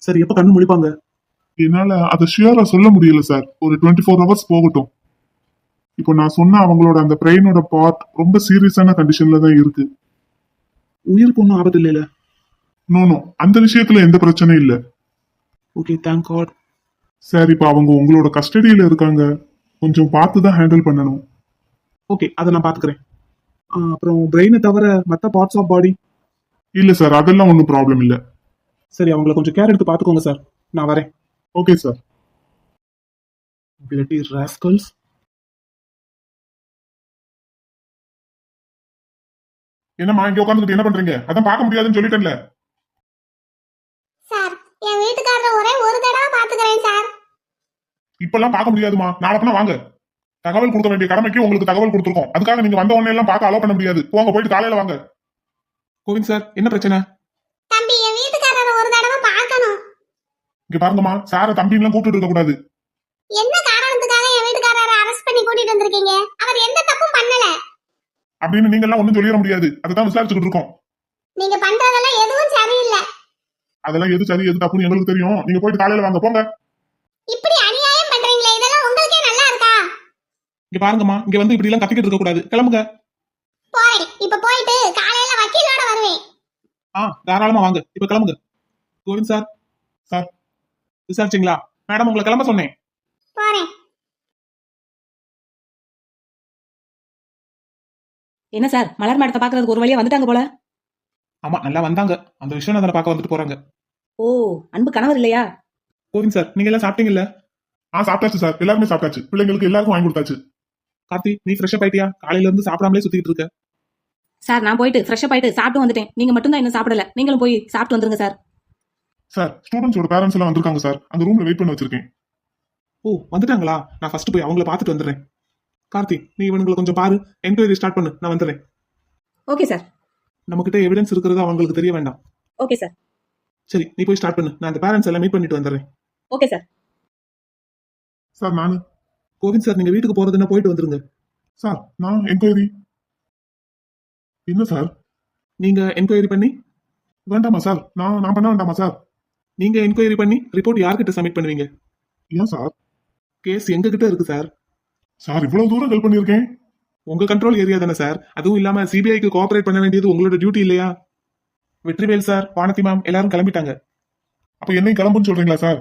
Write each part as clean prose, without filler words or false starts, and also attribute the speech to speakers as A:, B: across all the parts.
A: Sir எப்ப கண்ணு முழிப்பாங்க?
B: என்னால அதை ஷியரா சொல்ல முடியல சார். ஒரு 24 ஹவர்ஸ் போகட்டும். இப்போ நான் சொன்ன அவங்களோட அந்த பிரெயினோட பார்ட் ரொம்ப சீரியஸான கண்டிஷன்ல தான் இருக்கு.
A: உயிருக்கு ஒன்றும் ஆபத்து இல்லைல்ல?
B: நோ, அந்த விஷயத்துல எந்த பிரச்சனையும் இல்ல.
A: Okay, thank God.
B: சார் இப்போ அவங்க உங்களோட கஸ்டடியில இருக்காங்க. கொஞ்சம் பார்த்து தான் ஹேண்டில் பண்ணணும்.
A: ஓகே, அதை நான் பாத்துக்கிறேன். அப்புறம் பிரெயினை தவிர மற்ற பார்ட்ஸ் ஆஃப் பாடி?
B: இல்ல சார், அதெல்லாம் ஒன்றும் ப்ராப்ளம் இல்ல.
A: சரி, அவங்கள கொஞ்சம் கேர் எடுத்து பாத்துக்கோங்க சார். நான் வரேன்.
B: Okay sir.
A: Bloody rascals.
B: என்னம்மா இங்க உட்காந்துட்டு என்ன பண்றீங்க? அதான் பார்க்க முடியாதுன்னு சொல்லிட்டேன்ல.
C: சார், என் வீட்டுக்காரரை ஒரே ஒரு தடவை பாத்துக்கிறேன் சார்.
B: இப்பெல்லாம் பார்க்க முடியாதுமா, நாளைக்குனா வாங்க. தகவல் கொடுக்க வேண்டிய கடமைக்கு உங்களுக்கு தகவல் கொடுத்துருக்கோம். அதுக்காக நீங்க வந்த உடனே எல்லாம் பார்க்க அலோ பண்ண முடியாது. போங்க, போயிட்டு காலையில வாங்க.
A: கோவிந்த் சார், என்ன பிரச்சனை?
C: தம்பி, என் வீட்டுக்காரரை ஒரு தடவை பார்க்கணும்.
B: இங்க பாருங்கம்மா, சார தம்பின்லாம் கூப்பிட்டு இருக்க கூடாது.
C: என்ன காரணத்துக்காக என் வீட்டுக்காரரை அரெஸ்ட் பண்ணி கூட்டிட்டு வந்திருக்கீங்க? அவர் எந்த தப்பும் பண்ணல
B: அப்படின்னு நீங்க எல்லாம் ஒண்ணும் சொல்லிட முடியாது. அதான் விசாரிச்சுக்கிட்டு இருக்கோம்.
C: நீங்க பண்றதெல்லாம் எதுவும் சரியில்லை.
B: அதெல்லாம் எது சரி எது தப்புன்னு எங்களுக்கு தெரியும். நீங்க போயிட்டு காலையில வாங்க, போங்க.
C: இப்படி அநியாயம் பண்றீங்களே, இதெல்லாம் உங்களுக்கே நல்லா இருக்கா?
A: இங்க பாருங்கம்மா, இங்க வந்து இப்படி எல்லாம் கத்திக்கிட்டு இருக்க கூடாது. கிளம்புங்க.
C: போறேன். இப்ப போயிட்டு காலையில வக்கீலோட வருவேன்.
A: தாராளமா வாங்க, இப்ப கிளம்புங்க. கோவிந்த் சார்.
B: சார்.
A: விசாரிச்சிங்களா? மேடம் உங்களை கிளம்ப சொன்னேன்.
C: போறேன்.
D: என்ன சார், மலர் மேடத்தை பாக்குறதுக்கு ஒரு வழியா வந்துட்டாங்க போல.
A: ஆமா, நல்லா வந்தாங்க. அந்த விஷயம் அதை பார்க்க வந்துட்டு போறாங்க.
D: ஓ, அன்பு கணவர் இல்லையா?
A: கோவிந்த் சார், நீங்க எல்லாம் சாப்பிட்டீங்கல்ல?
B: சாப்பிட்டாச்சு சார், எல்லாருமே சாப்பிட்டாச்சு. பிள்ளைங்களுக்கு எல்லாருக்கும் வாங்கி கொடுத்தாச்சு.
A: கார்த்தி, நீ ஃப்ரெஷ் அப் ஆயிட்டியா? காலையில இருந்து சாப்பிடாமலே சுத்திட்டு இருக்க.
D: சார், நான் போயிட்டு ஃப்ரெஷ் அப் ஆயிட்டு சாப்பிட்டு வந்துட்டேன். நீங்க மட்டும் தான் இன்னும் சாப்பிடல. நீங்களும் போய் சாப்பிட்டு வந்துருங்க சார்.
B: சார், ஸ்டூடெண்ட்ஸோட பேரண்ட்ஸ் எல்லாம் வந்திருக்காங்க சார். அந்த ரூம்ல வெயிட் பண்ணி வச்சிருக்கேன்.
A: ஓ, வந்துட்டாங்களா? நான் ஃபர்ஸ்ட் போய் அவங்கள பார்த்துட்டு வந்துடுறேன். கார்த்தி, நீ இவனுங்களை கொஞ்சம் பாரு. என்கொயரி ஸ்டார்ட் பண்ணு, நான் வந்துடுறேன்.
D: Okay sir.
A: நம்மகிட்ட எவிடன்ஸ் இருக்கிறது அவங்களுக்கு தெரிய வேண்டாம்.
D: Okay sir.
A: சரி, நீ போய் ஸ்டார்ட் பண்ணு. நான் அந்த பேரண்ட்ஸ் எல்லாம் மீட் பண்ணிட்டு வந்துடுறேன்.
D: Okay sir.
B: சார் நானு.
A: கோவிந்த் சார், நீங்க வீட்டுக்கு போறதுன்னா போயிட்டு வந்துருங்க.
B: சார், நான் என்கொயரி. என்ன சார்?
A: நீங்க என்கொயரி பண்ணி
B: வேண்டாமா சார்? நான் பண்ண வேண்டாமா சார்?
A: நீங்க என்கொயரி பண்ணி ரிப்போர்ட் யார்கிட்ட சப்மிட் பண்ணுவீங்க?
B: ஏன் சார்?
A: கேஸ் எங்க கிட்ட இருக்கு சார்.
B: சார், இவ்வளவு தூரம் ஹெல்ப் பண்ணிருக்கேன்.
A: உங்க கண்ட்ரோல் ஏரியா தானே சார். அதுவும் இல்லாம சிபிஐக்கு கோஆபரேட் பண்ண வேண்டியது உங்களோட டியூட்டி இல்லையா? வெற்றிவேல் சார், வானதி மேம் எல்லாரும் கிளம்பிட்டாங்க.
B: அப்ப என்னையும் கிளம்புன்னு சொல்றீங்களா சார்?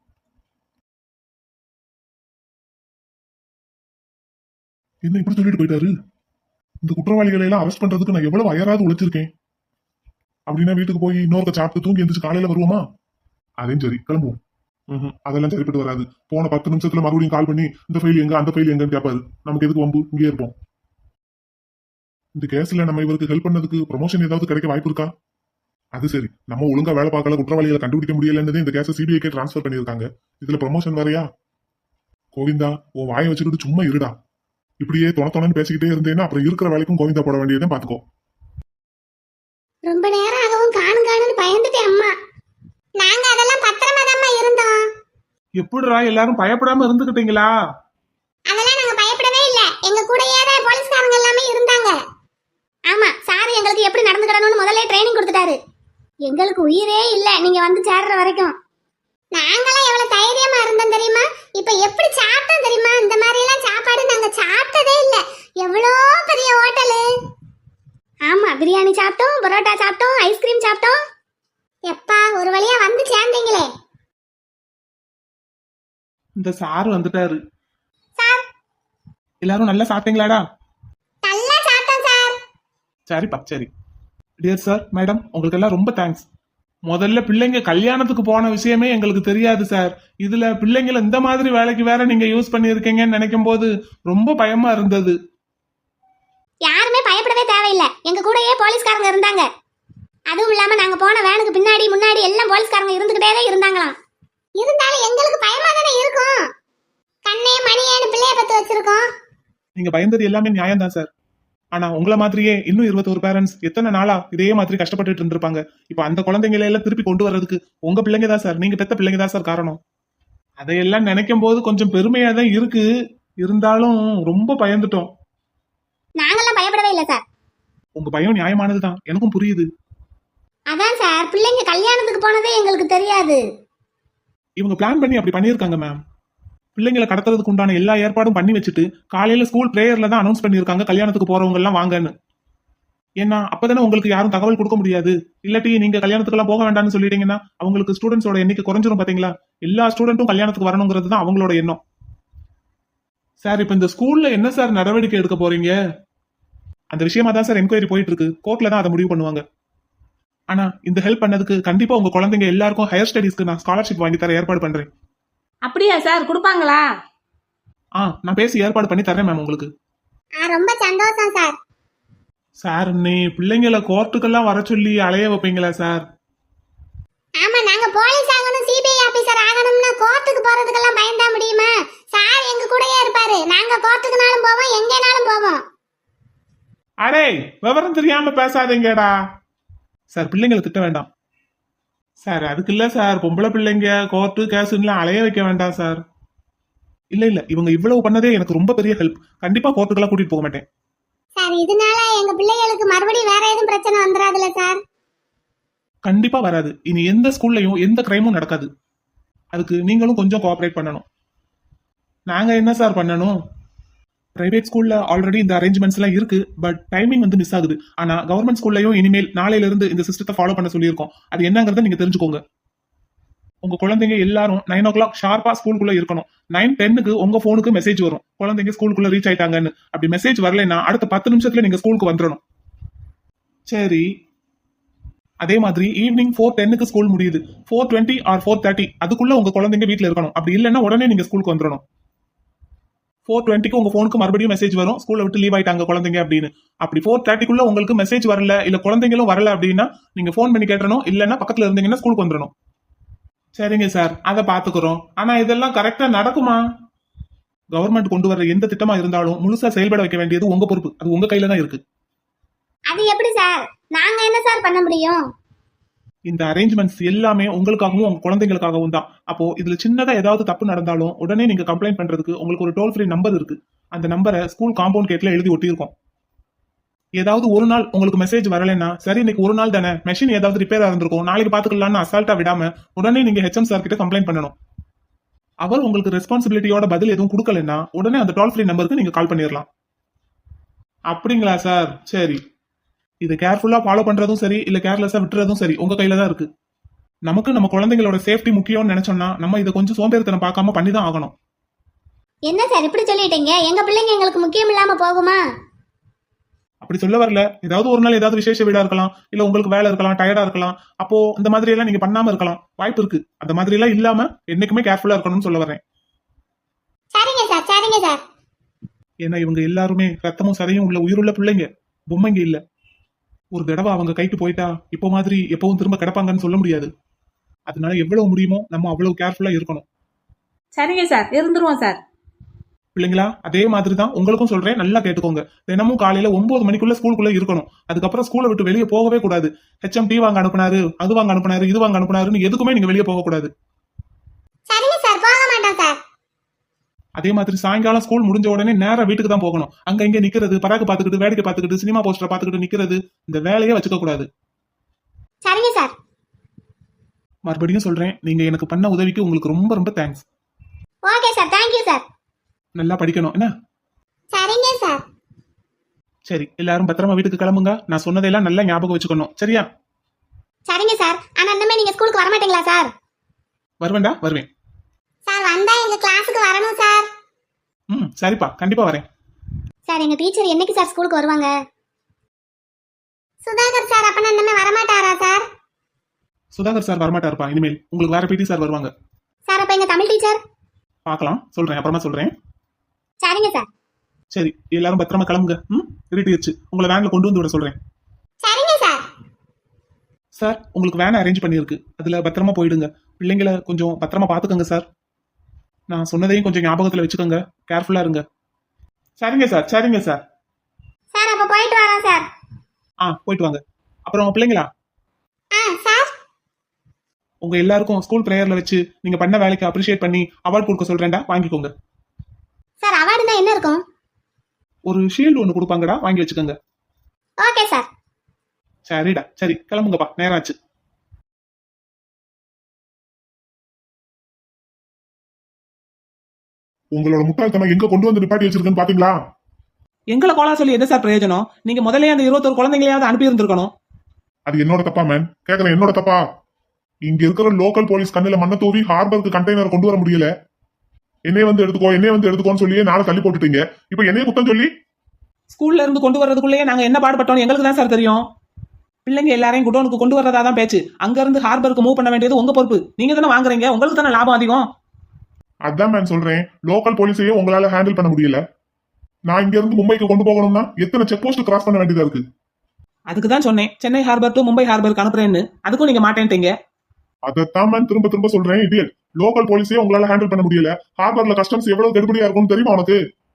B: என்ன இப்படி சொல்லிட்டு போயிட்டாரு? இந்த குற்றவாளிகளை எல்லாம் அரெஸ்ட் பண்றதுக்கு நான் எவ்வளவு அயராது உழைச்சிருக்கேன். அப்படின்னா வீட்டுக்கு போய் இன்னொருக்க சாப்பிட்டு தூங்கி எந்திரிச்சு காலையில வருவோமா? அதையும் சரி, கிளம்புவோம். அதெல்லாம் சரிப்பட்டு வராது. போன 10 நிமிஷத்துல மறுபடியும் கால் பண்ணி இந்த ஃபைல் எங்க அந்த ஃபைல் எங்கன்னு கேட்பாரு. நமக்கு எதுக்கு வம்பு? இங்கே இருப்போம். இந்த கேஸ்ல நம்ம இவருக்கு ஹெல்ப் பண்ணதுக்கு ப்ரொமோஷன் ஏதாவது கிடைக்க வாய்ப்பு இருக்கா? அது சரி, நம்ம ஒழுங்கா வேலை பார்க்கல, குற்றவாளிகளை கண்டுபிடிக்க முடியலன்னு இந்த கேஸை சிபிஐக்கே டிரான்ஸ்பர் பண்ணிருக்காங்க. இதுல ப்ரொமோஷன் வரையா? கோவிந்தா, உன் வாயை வச்சுக்கிட்டு சும்மா இருடா. இப்படியே தொணன்னு பேசிக்கிட்டே இருந்தேன்னா அப்புறம் இருக்கிற வேலைக்கும் கோவிந்தா போட வேண்டியதான். பாத்துக்கோ.
C: ரொம்ப நேரம் ஆகவும் காணுன்னு பயந்துட்டேன் அம்மா. நாங்க அதெல்லாம் பத்திரமா தான் இருந்தோம்.
A: எப்படிடா எல்லாரும் பயப்படாம இருந்துகிட்டீங்களா?
C: அதெல்லாம் நாங்க பயப்படவே இல்ல. எங்க கூட ஏற போலீஸ்காரங்க எல்லாமே இருந்தாங்க. ஆமா, சார் எங்களுக்கு எப்படி நடந்துக்கணும்னு முதல்ல ட்ரைனிங் கொடுத்துட்டாரு. எங்களுக்கு உயிரே இல்ல நீங்க வந்து சேர்ற வரைக்கும். நாங்களாம் எவ்வளவு தைரியமா இருந்தோம் தெரியுமா? இப்ப எப்படி சாப்பிட்டோம் தெரியுமா? இந்த மாதிரி எல்லாம் சாப்பாடு நாங்க சாப்பிட்டதே இல்ல. எவ்வளோ பெரிய ஹோட்டலு. ஆமா, பிரியாணி சாப்பிட்டோம், பரோட்டா சாப்பிட்டோம், ஐஸ்கிரீம் சாப்பிட்டோம். எப்பா, ஒரு வழியா வந்து சேர்ந்தீங்களே.
A: இந்த சார் வந்துட்டாரு.
C: சார்,
A: எல்லாரும் நல்லா சாப்பிட்டீங்களாடா?
C: நல்லா சாப்பிட்டோம் சார்.
A: சரிப்பா, சரி. டியர் சார், மேடம், உங்களுக்கு எல்லாம் ரொம்ப தேங்க்ஸ். முதல்ல பிள்ளைங்க கல்யாணத்துக்கு போன விஷயமே எங்களுக்கு தெரியாது சார். இதுல பிள்ளைங்களை இந்த மாதிரி வேலைக்கு வேற நீங்க யூஸ் பண்ணிருக்கீங்கன்னு நினைக்கும் போது ரொம்ப பயமா இருந்தது.
C: யாருமே பயப்படவே தேவையில்லை. எங்க கூடயே போலீஸ்காரங்க இருந்தாங்க. அதுவும் இல்லாம நாங்க போன வேனுக்கு பின்னாடி முன்னாடி எல்லாம் போலீஸ்காரங்க இருந்துகிட்டே தான் இருந்தாங்களாம். இருந்தாலும் எங்களுக்கு பயமா தானே இருக்கும். கண்ணே மணியேன்னு பிள்ளைய பத்து வச்சிருக்கோம்.
A: நீங்க பயந்தது எல்லாமே நியாயம் தான் சார். ஆனா உங்களை மாதிரியே இன்னும் 21 பேரண்ட்ஸ் எத்தனை நாளா இதே மாதிரி கஷ்டப்பட்டுட்டு இருந்திருப்பாங்க. இப்ப அந்த குழந்தைங்களை எல்லாம் திருப்பி கொண்டு வர்றதுக்கு உங்க பிள்ளைங்க தான் சார், நீங்க பெத்த பிள்ளைங்க தான் சார் காரணம். அதையெல்லாம் நினைக்கும் போது கொஞ்சம் பெருமையா தான் இருக்கு. இருந்தாலும் ரொம்ப பயந்துட்டோம்.
C: நாங்கெல்லாம் பயப்படவே இல்லை சார்.
A: உங்க பயம் நியாயமானதுதான், எனக்கும் புரியுது.
C: அதான் சார், பிள்ளைங்க கல்யாணத்துக்கு போனதே எங்களுக்கு தெரியாது.
A: இவங்க பிளான் பண்ணி அப்படி பண்ணியிருக்காங்க மேம். பிள்ளைங்களை கடத்துறதுக்கு உண்டான எல்லா ஏற்பாடும் பண்ணி வச்சுட்டு காலையில ஸ்கூல் பிரேயர்ல தான் அனௌன்ஸ் பண்ணியிருக்காங்க கல்யாணத்துக்கு போறவங்க எல்லாம் வாங்கன்னு. ஏன்னா அப்பதானே உங்களுக்கு யாரும் தகவல் கொடுக்க முடியாது. இல்லாட்டி நீங்க கல்யாணத்துக்கு போக வேண்டாம்னு சொல்லிட்டீங்கன்னா அவங்களுக்கு ஸ்டூடெண்ட்ஸோட எண்ணிக்கை குறைஞ்சிரும் பாத்தீங்களா. எல்லா ஸ்டூடெண்ட்டும் கல்யாணத்துக்கு வரணுங்கிறது தான் அவங்களோட எண்ணம். சார் இப்ப இந்த ஸ்கூல்ல என்ன சார் நடவடிக்கை எடுக்க போறீங்க? அந்த விஷயமா தான் சார் என்கொயரி போயிட்டு இருக்கு. கோர்ட்ல தான் அதை முடிவு பண்ணுவாங்க. ஆனா இந்த ஹெல்ப் பண்ணதுக்கு கண்டிப்பா உங்க குழந்தைங்க எல்லாருக்கும் ஹையர் ஸ்டடீஸ்க்கு நான் ஸ்காலர்ஷிப் வாங்கி தர ஏற்பாடு பண்றேன்.
D: அப்படியா சார், கொடுப்பாங்களா?
A: நான் பேசி ஏற்பாடு பண்ணி தரேன் மேம் உங்களுக்கு.
C: ரொம்ப சந்தோஷம் சார்.
A: சார் நீ பிள்ளைங்களை கோர்ட்டுக்கெல்லாம் வர சொல்லி அலைய வைப்பீங்களா சார்?
C: ஆமா, நாங்க போலீஸ் ஆகணும், சிபிஐ ஆபீசர் ஆகணும்னா கோர்ட்டுக்கு போறதுக்கெல்லாம் பயந்தா முடியுமா? சார் எங்க கூடயே இருப்பாரு. நாங்க கோர்ட்டுக்குனாலும் போவோம், எங்கேனாலும் போவோம்.
A: அடே விவரம் தெரியாம பேசாதீங்கடா. சார் பிள்ளைங்களை திட்ட வேண்டாம் சார். அதுக்கு இல்ல சார், பொம்பளை பிள்ளைங்க கோர்ட்டு கேஸ்லாம் அலைய வைக்க வேண்டாம் சார். இல்ல இவங்க இவ்வளவு பண்ணதே எனக்கு ரொம்ப பெரிய ஹெல்ப். கண்டிப்பா கோர்ட்டுக்கெல்லாம் கூட்டிட்டு போக மாட்டேன்
C: சார் இதனால எங்க பிள்ளைகளுக்கு மறுபடியும் வேற எதுவும் பிரச்சனை வந்துடாதுல சார்?
A: கண்டிப்பா வராது. இனி எந்த ஸ்கூல்லையும் எந்த கிரைமும் நடக்காது. அதுக்கு நீங்களும் கொஞ்சம் கோஆபரேட் பண்ணணும். நாங்க என்ன சார் பண்ணணும்? பிரைவேட் ஸ்கூல்ல ஆல்ரெடி இந்த அரேஞ்ச்மெண்ட்ஸ் எல்லாம் இருக்கு. பட் டைமிங் வந்து மிஸ் ஆகுது. ஆனா கவர்மெண்ட் ஸ்கூல்லையும் இனிமேல் நாளையில இருந்து இந்த சிஸ்டத்தை ஃபாலோ பண்ண சொல்லியிருக்கோம். அது என்னங்கறத நீங்க தெரிஞ்சுக்கோங்க. உங்க குழந்தைங்க எல்லாரும் 9 o'clock ஷார்ப்பா ஸ்கூலுக்குள்ள இருக்கணும். 9:10க்கு உங்க போனுக்கு மெசேஜ் வரும், குழந்தைங்க ஸ்கூலுக்குள்ள ரீச் ஆயிட்டாங்கன்னு. அப்படி மெசேஜ் வரலைன்னா அடுத்த 10 நிமிஷத்துல நீங்க ஸ்கூலுக்கு வந்துடணும். சரி. அதே மாதிரி ஈவினிங் 4:10க்கு ஸ்கூல் முடியுது. 4:20 ஆர் 4:30 அதுக்குள்ள உங்க குழந்தைங்க வீட்டுல இருக்கணும். அப்படி இல்லைன்னா உடனே நீங்க ஸ்கூலுக்கு வந்துடணும். 4:20க்கு உங்க போனுக்கு மறுபடியும் மெசேஜ் வரும், ஸ்கூல்ல விட்டு லீவ் ஆயிட்டாங்க குழந்தைங்க அப்படின்னு. அப்படி 4:30க்குள்ள உங்களுக்கு மெசேஜ் வரல, இல்ல குழந்தைங்களும் வரல அப்படின்னா நீங்க போன் பண்ணி கேட்டணும். இல்லைன்னா பக்கத்துல இருந்தீங்கன்னா ஸ்கூலுக்கு வந்துடணும். சரிங்க சார், அதை பாத்துக்கிறோம். ஆனா இதெல்லாம் கரெக்டா நடக்குமா? கவர்மெண்ட் கொண்டு வர எந்த திட்டமா இருந்தாலும் முழுசா செயல்பட வைக்க வேண்டியது உங்க பொறுப்பு. அது உங்க கையில தான் இருக்கு.
C: அது எப்படி சார்? நாங்க என்ன சார் பண்ண முடியும்?
A: இந்த அரேஞ்ச்மெண்ட்ஸ் எல்லாமே உங்களுக்காகவும் உங்க குழந்தைங்களுக்காகவும் தான். அப்போ இதுல சின்னதா ஏதாவது தப்பு நடந்தாலும் உடனே நீங்க கம்ப்ளைண்ட் பண்றதுக்கு உங்களுக்கு ஒரு டோல் ஃப்ரீ நம்பர் இருக்கு. அந்த நம்பரை ஸ்கூல் காம்பவுண்ட் கேட்ல எழுதி ஒட்டியிருக்கோம். ஏதாவது ஒரு நாள் உங்களுக்கு மெசேஜ் வரலைன்னா, சரி இன்னைக்கு ஒரு நாள் தானே, மெஷின் ஏதாவது ரிப்பேர் இருந்திருக்கும், நாளைக்கு பாத்துக்கலாம்னு அசால்ட்டா விடாம உடனே நீங்க ஹெச்எம் சார் கிட்ட கம்ப்ளைண்ட் பண்ணணும். அவர் உங்களுக்கு ரெஸ்பான்சிபிலிட்டியோட பதில் எதுவும் கொடுக்கலன்னா உடனே அந்த டோல் ஃப்ரீ நம்பருக்கு நீங்க கால் பண்ணிடலாம். அப்படிங்களா சார்? சரி. இதை கேர்ஃபுல்லா ஃபாலோ பண்றதும் சரி, இல்ல கேர்லெஸ்ஸா விட்டுறதும் சரி உங்க கையில தான் இருக்கு. நமக்கு நம்ம குழந்தைங்களோட சேஃப்டி முக்கியம்னு நினைச்சோம்னா நம்ம இதை கொஞ்சம் சோம்பேறித்தனம் பார்க்காம பண்ணி தான் ஆகணும்.
C: என்ன சார் இப்படி சொல்லிட்டீங்க? எங்க பிள்ளைங்க எங்களுக்கு முக்கியம் இல்லாம போகுமா?
A: அப்படி சொல்ல வரல. ஏதாவது ஒரு நாள் ஏதாவது விசேஷ வீடா இருக்கலாம், இல்ல உங்களுக்கு வேலை இருக்கலாம், டயர்டா இருக்கலாம். அப்போ இந்த மாதிரி எல்லாம் நீங்க பண்ணாம இருக்கலாம், வாய்ப்பு இருக்கு. அந்த மாதிரி எல்லாம் இல்லாம என்னைக்குமே கேர்ஃபுல்லா இருக்கணும்னு சொல்ல வரேன்.
C: சரிங்க சார், சரிங்க சார்.
A: ஏன்னா இவங்க எல்லாருமே ரத்தமும் சதையும் உள்ள உயிருள்ள பிள்ளைங்க, பொம்மைங்க இல்ல. ஒரு தடவை அவங்க கைக்கு போயிட்டா இப்போ மாதிரி எப்பவும் திரும்ப கிடப்பாங்கன்னு சொல்ல முடியாது. அதனால எவ்வளவு முடியுமோ நம்ம அவ்வளவு கேர்ஃபுல்லா இருக்கணும்.
D: சரிங்க சார், இருந்துருவோம் சார்.
A: பிள்ளைங்களா, அதே மாதிரி தான் உங்களுக்கும் சொல்றேன், நல்லா கேட்டுக்கோங்க. தினமும் காலையில 9 மணிக்குள்ள ஸ்கூலுக்குள்ள இருக்கணும். அதுக்கப்புறம் ஸ்கூலை விட்டு வெளியே போகவே கூடாது. ஹெச்எம் டீ வாங்க அனுப்புனாரு, அது வாங்க அனுப்புனாரு, இது வாங்க அனுப்புனாருன்னு எதுக்குமே நீங்க வெளியே போக கூடாது.
C: சரிங்க சார், போக மாட்டோம் சார்.
A: அதே மாதிரி சாயங்காலம் ஸ்கூல் முடிஞ்ச உடனே நேரா வீட்டுக்கு தான் போகணும். அங்க இங்க நிக்கிறது, பராக்கு பாத்துக்கிட்டு, வேடிக்கை பாத்துக்கிட்டு, சினிமா போஸ்டர் பாத்துக்கிட்டு நிக்கிறது, இந்த வேலையே வச்சுக்க கூடாது.
C: சரிங்க சார்.
A: மறுபடியும் சொல்றேன், நீங்க எனக்கு பண்ண உதவிக்கு உங்களுக்கு ரொம்ப ரொம்ப thanks.
C: Okay sir, thank you sir.
A: நல்லா படிக்கணும் என்ன?
C: சரிங்க சார்.
A: சரி, எல்லாரும் பத்திரமா வீட்டுக்கு கிளம்புங்க. நான் சொன்னதெல்லாம் நல்லா ஞாபகம் வச்சுக்கணும், சரியா?
C: சரிங்க சார். ஆனா இன்னமே நீங்க ஸ்கூலுக்கு வர மாட்டீங்களா சார்?
A: வருவேன்டா, வருவேன்.
C: சார் வந்தா எங்க கிளாஸுக்கு வரணும் சார்.
A: சரிப்பா, கண்டிப்பா வரேன்.
C: சார் எங்க டீச்சர் என்னைக்கு சார் ஸ்கூலுக்கு வருவாங்க? சுதாகர் சார் அப்பனா இன்னமே வரமாட்டாரா சார்?
A: சுதாகர் சார் வரமாட்டாருப்பா இனிமேல். உங்களுக்கு வேற பிடி சார் வருவாங்க.
C: சார் அப்ப எங்க தமிழ் டீச்சர்?
A: பார்க்கலாம், சொல்றேன், அப்புறமா சொல்றேன்.
C: சரிங்க சார்.
A: சரி, எல்லாரும் பத்திரமா கிளம்புங்க. இருட்டிடுச்சு, உங்களை வேன்ல கொண்டு வந்து விட சொல்றேன்.
C: சரிங்க சார்.
A: சார் உங்களுக்கு வேன் அரேஞ்ச் பண்ணியிருக்கு, அதுல பத்திரமா போயிடுங்க. பிள்ளைங்களை கொஞ்சம் பத்திரமா பாத்துக்கோங்க சார். நான் சொன்னதையும் கொஞ்சம் ஞாபகத்துல வச்சுக்கோங்க, கேர்ஃபுல்லா இருங்க. சரிங்க சார், சரிங்க சார்.
C: சார் அப்ப போயிட்டு வரேன் சார்.
A: போயிட்டு வாங்க. அப்புறம் பிள்ளைங்களா,
C: சார்
A: உங்க எல்லாருக்கும் ஸ்கூல் பிரேயர்ல வச்சு நீங்க பண்ண வேலைக்கு அப்ரிஷியேட் பண்ணி அவார்ட் கொடுக்க சொல்றேன்டா, வாங்கிக்கோங்க.
C: சார் அவார்டுனா என்ன இருக்கும்?
A: ஒரு ஷீல்டு ஒன்னு கொடுப்பாங்கடா, வாங்கி வச்சுக்கோங்க.
C: Okay sir.
A: சரிடா, சரி கிளம்புங்கப்பா, நேரம் ஆச்சு.
B: உங்களோட முட்டாள்தனம் எங்க கொண்டு வந்து நிப்பாட்டி வச்சிருக்கேன்னு பாத்தீங்களா?
A: எங்களை கோலா சொல்லி என்ன சார் பிரயோஜனம்? நீங்க முதல்ல அந்த 21 குழந்தைங்களையாவது அனுப்பி இருந்திருக்கணும்.
B: அது என்னோட தப்பா மேன்? கேக்குறேன், என்னோட தப்பா? இங்க இருக்கிற லோக்கல் போலீஸ் கண்ணுல மண்ணை தூவி ஹார்பருக்கு கண்டெய்னர் கொண்டு வர முடியல. என்னைய வந்து எடுத்துக்கோன்னு சொல்லியே நாளை தள்ளி போட்டுட்டீங்க. இப்ப என்னைய குத்தம் சொல்லி
A: ஸ்கூல்ல இருந்து கொண்டு வர்றதுக்குள்ளேயே நாங்க என்ன பாடுபட்டோம் எங்களுக்கு தான் சார் தெரியும். பிள்ளைங்க எல்லாரையும் குடோனுக்கு கொண்டு வர்றதா தான் பேச்சு. அங்க இருந்து ஹார்பருக்கு மூவ் பண்ண வேண்டியது உங்க பொறுப்பு. நீங்க தானே வாங்குறீங்க, உங்களுக்கு தானே லாபம் அதிகம்.
B: அதான் மேன் சொல்றேன், லோக்கல் போலீஸையே உங்களால ஹேண்டில் பண்ண முடியல. நான் இங்க இருந்து மும்பைக்கு கொண்டு போகணும்னா எத்தனை செக் போஸ்ட் கிராஸ் பண்ண வேண்டியதா இருக்கு.
A: அதுக்கு தான் சொன்னேன் சென்னை ஹார்பர் டு மும்பை ஹார்பருக்கு அனுப்புறேன்னு. அதுக்கும் நீங்க மாட்டேன்ட்டீங்க.
B: அதைத்தான் மேன் திரும்ப திரும்ப சொல்றேன். இடியல், லோக்கல் போலீஸையே உங்களால ஹேண்டில் பண்ண முடியல. ஹார்பர்ல கஸ்டம்ஸ் எவ்வளவு கெடுபடியா இருக்கும்னு தெரியுமா உனக்கு?